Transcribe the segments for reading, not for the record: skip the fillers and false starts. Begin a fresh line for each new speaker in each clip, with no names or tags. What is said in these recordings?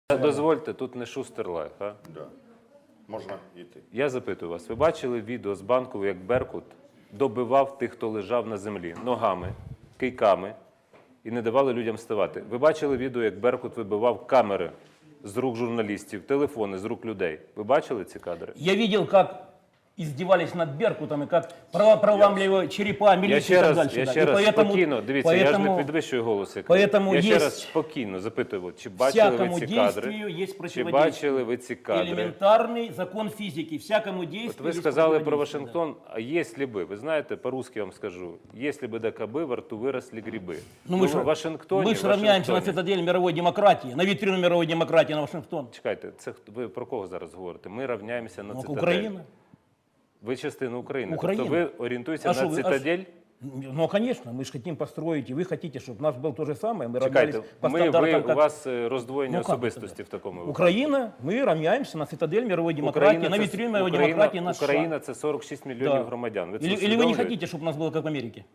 Дозвольте, тут не Шустер Лайф, а?
Да. Можна йти.
Я запитую вас, ви бачили відео з Банкової, як Беркут добивав тих, хто лежав на землі, ногами, кийками і не давали людям вставати? Ви бачили відео, як Беркут вибивав камери з рук журналістів, телефони з рук людей? Ви бачили ці кадри?
Я видел, как издевались над Беркутом и как проламливали черепа милиции и так дальше.
Я
Да.
ще
И
раз
поэтому-
спокійно, дивіться, я ж не
поэтому-
підвищую голос.
поэтому
Я ще
есть-
раз спокійно запитую, чи бачили ви
всякому
ці
действию
кадри?
есть
Чи
противодействие.
бачили ви ці кадри?
Элементарный закон физики. Всякому действию
От ви
есть
сказали про
противодействие,
Вашингтон, а если бы, ви знаєте, по-русски вам скажу, если бы до кобы во рту выросли грибы.
да. Ну,
в Вашингтоні,
мы же равняемся на цитадель мировой демократии, на витрину мировой демократии на Вашингтон.
Чекайте, це ви про кого зараз говорите? Ми равняємося на
Ну,
цитадель.
Украина.
Ви частина України.
Україна.
Тобто ви орієнтуєтеся
А
на
що ви-
цитадель?
Ну, конечно, мы же хотим построить, и вы хотите, чтобы у нас был то же самое. Мы
Чекайте,
равнялись по
ви,
стандартам,
у
как
вас роздвоєння
Ну, как
особистості в такому випадку.
Украина. Мы равняемся на цитадель мировой демократии, на витрину мировой демократии, на США.
Україна – це 46 мільйонів
Да.
громадян. Ви це
Или вы не
усвідомлюєте?
хотите, чтобы у нас было как в Америке?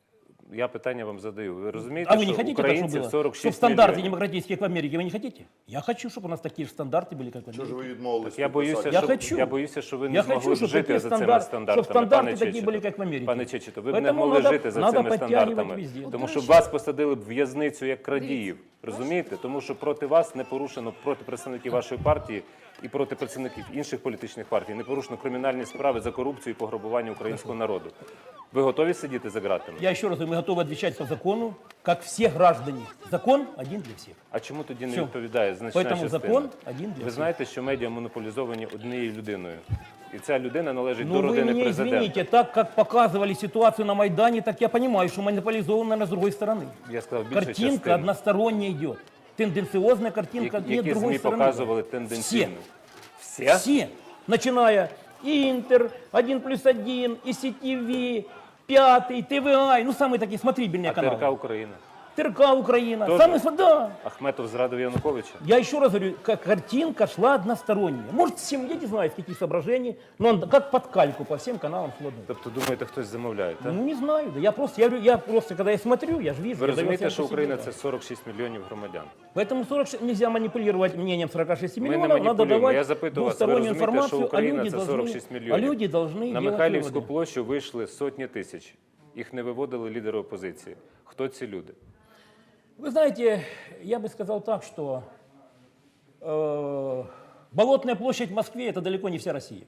Я питання вам задаю. Ви розумієте,
А вы не
що
хотите, так,
українців
чтобы было?
46
Чтобы стандарты
мільйонів?
демократические, как в Америке, вы не хотите? Я хочу, чтобы у нас такие же стандарты были, как в
Чого ж
Америке.
ви відмовились?
Я боюся,
Я
що,
хочу.
я боюся, що ви не
Я
змогли
хочу,
б
щоб
жити
такі
за цими
стандарти-
стандартами.
щоб стандарти
пане
такі
Чечето.
були, як в Америці.
Пане Чечето, ви б не
Поэтому
могли
надо-
жити за
надо
цими
підтягувати
стандартами,
везде.
тому що вас посадили б в в'язницю як крадіїв. Розумієте? Тому що проти вас не порушено, проти представників вашої партії і проти представників інших політичних партій, не порушено кримінальні справи за корупцію і пограбування українського народу. Ви готові сидіти за ґратами?
Я еще раз говорю, мы готовы отвечать по закону, как все граждане. Закон один для всех.
А чому тоді не
Всьо.
відповідає значна
Поэтому
частина?
закон один для
Ви
всіх.
знаєте, що медіа монополізовані однією людиною. І ця людина належить
Ну
до
вы
родини
мне
президента.
извините, так как показывали ситуацию на Майдане, так я понимаю, что монополизовано, наверное, с другой стороны.
Я сказав, більше
Картинка
частин.
односторонняя идет. Тенденциозная картинка, нет
Які
другой
ЗМІ
стороны.
показували тенденційно?
Все.
Все?
Все, начиная Интер, 1+1, ИСТВ, Пятый, ТВА, ну самые такие смотрибельные
А
каналы.
ТРК Україна?
ТРК Украина.
Тоже?
Да.
Ахметов зрадив Януковича?
Я еще раз говорю, как картинка шла односторонняя. Может, всем, я не знаю, с каких соображений, но он как под кальку по всем каналам шла.
Тобто, думаєте, хтось замовляє, так?
Ну, не знаю, да я просто, когда я смотрю, я же вижу.
Ви
я даю
розумієте,
оценку
що
себе,
Україна
да.
– це 46 мільйонів громадян?
Поэтому 46 нельзя манипулировать мнением 46
Ми не
миллионов, надо
маніпулюємо.
давать
Я запитую вас, ви
двустороннюю
розумієте, що
информацию,
Україна – це 46
а
мільйонів?
люди должны
На
делать
Михайлівську
выводы.
площу вийшли сотні тисяч. Їх не виводили лідери опозиції. Хто ці люди?
Вы знаете, я бы сказал так, что Болотная площадь в Москве – это далеко не вся Россия.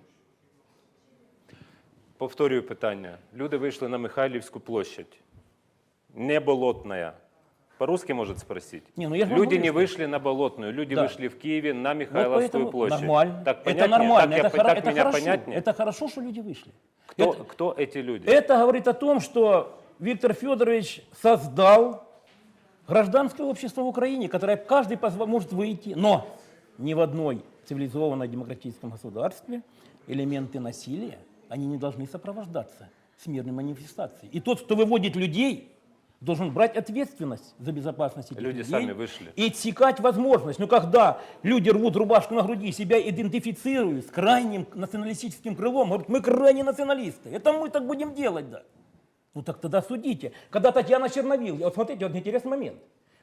Повторюю питання. Люди вийшли на Михайлівську площадь. Не Болотная. По-русски может спросить?
Не, ну я же
Люди
могу
не
сказать.
вышли на Болотную, люди
Да.
вышли в Киеве на
Вот
Михайловскую
поэтому
площадь.
нормально.
Так
Это
понятнее?
нормально,
Так,
это,
так
это
меня
хорошо.
понятнее?
Это хорошо, что люди вышли.
Кто эти люди?
Это говорит о том, что Виктор Федорович создал гражданское общество в Украине, которое каждый может выйти, но ни в одной цивилизованном демократическом государстве элементы насилия, они не должны сопровождаться с мирной манифестацией. И тот, кто выводит людей, должен брать ответственность за безопасность этих
Люди
людей
сами вышли.
и отсекать возможность. Но когда люди рвут рубашку на груди, себя идентифицируют с крайним националистическим крылом, говорят, мы крайне националисты, это мы так будем делать, да. Ну так тогда судите. Когда Татьяна Черновил, вот смотрите, вот интересный момент.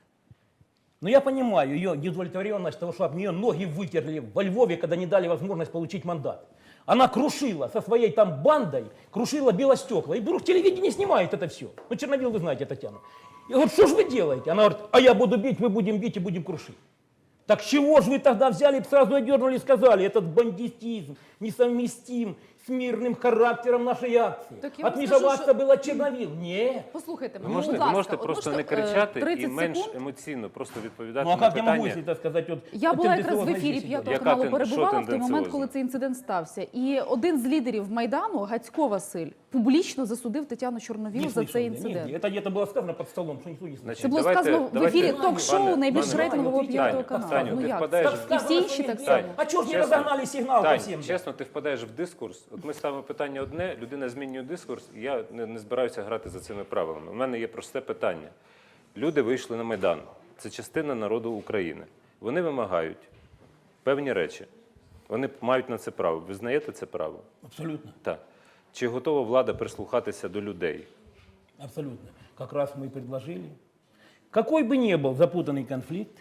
Но я понимаю ее неудовлетворенность того, что об нее ноги вытерли во Львове, когда не дали возможность получить мандат. Она крушила со своей там бандой, крушила белостекла. И вдруг телевидение снимает это все. Ну, Черновил, вы знаете, Татьяна. И говорит, что же вы делаете? Она говорит, а я буду бить, мы будем бить и будем крушить. Так чего же вы тогда взяли и сразу одернули и сказали, этот бандитизм несовместим с мирным характером нашей акции.
Так я вам
Отмежеваться
скажу,
было Черновил. Нет.
Послухайте
Ви
мене,
можете,
будь
ви
ласка,
можете
от
просто не
можете,
кричати
30
і менш
секунд?
емоційно просто відповідати
Ну а
на
как я могу,
питання.
если так сказать, вот
Я була якраз в
тенденциозно
ефірі
здесь
П'ятого
Яка
каналу
що
перебувала в той момент,
тенденціозна?
коли цей інцидент стався. І один з лідерів Майдану, Гацько Василь, публічно засудив Тетяну Чорновіл
не
за
слышал
цей
я. Нет,
інцидент.
это где-то было сказано под столом, что никто не слышал.
Значить,
Це було
давайте-
сказано в
давайте-
ефірі ток-шоу
Пане-
найбільш
пане-
рейтингового
Таню,
П'ятого
Таню,
каналу. Ну
ти
як?
впадаєш
І всі інші так само.
А чого ж не
Чесно.
розогнали сигнал по
Тань,
всім?
чесно, ти впадаєш в дискурс. От ми ставимо питання одне, людина змінює дискурс, і я не збираюся грати за цими правилами. У мене є просте питання. Люди вийшли на Майдан. Це частина народу України. Вони вимагають певні речі. Вони мають на це право. Ви знаєте це право?
Абсолютно,
Так. Чи готова влада прислухатися до людей?
абсолютно. Как раз мы и предложили. Какой бы ни был запутанный конфликт,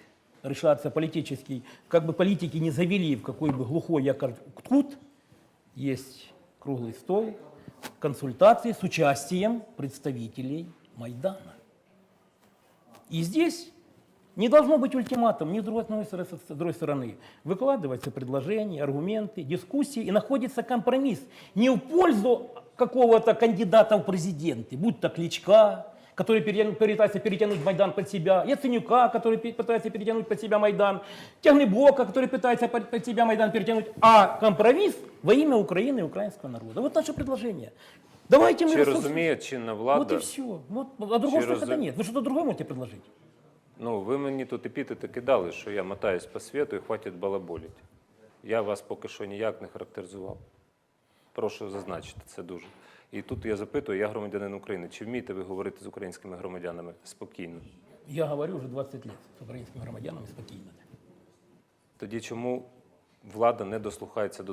решаться политический, как бы политики не завели в какой бы глухой якорь-кут, есть круглый стол, консультации с участием представителей Майдана. И здесь не должно быть ультиматум ни с другой стороны. Выкладываются предложения, аргументы, дискуссии, и находится компромисс. Не в пользу какого-то кандидата в президенты, будь то Кличка, который пытается перетянуть Майдан под себя, Яценюка, который пытается перетянуть под себя Майдан, Тягнебока, который пытается под себя Майдан перетянуть, а компромисс во имя Украины и украинского народа. Вот наше предложение. Давайте мы
Чи
рассудим.
розуміє чинна
Вот
влада?
и все. Вот, а другого
Через-
выхода нет. Вы что-то другое можете предложить?
Ну, ви мені тут епітети кидали, що я мотаюсь по світу і хватить балаболити. Я вас поки що ніяк не характеризував. Прошу зазначити це дуже. І тут я запитую, я громадянин України, чи вмієте ви говорити з українськими громадянами спокійно?
Я говорю уже 20 лет с украинскими громадянами спокойно.
Тоді чому влада не дослухається до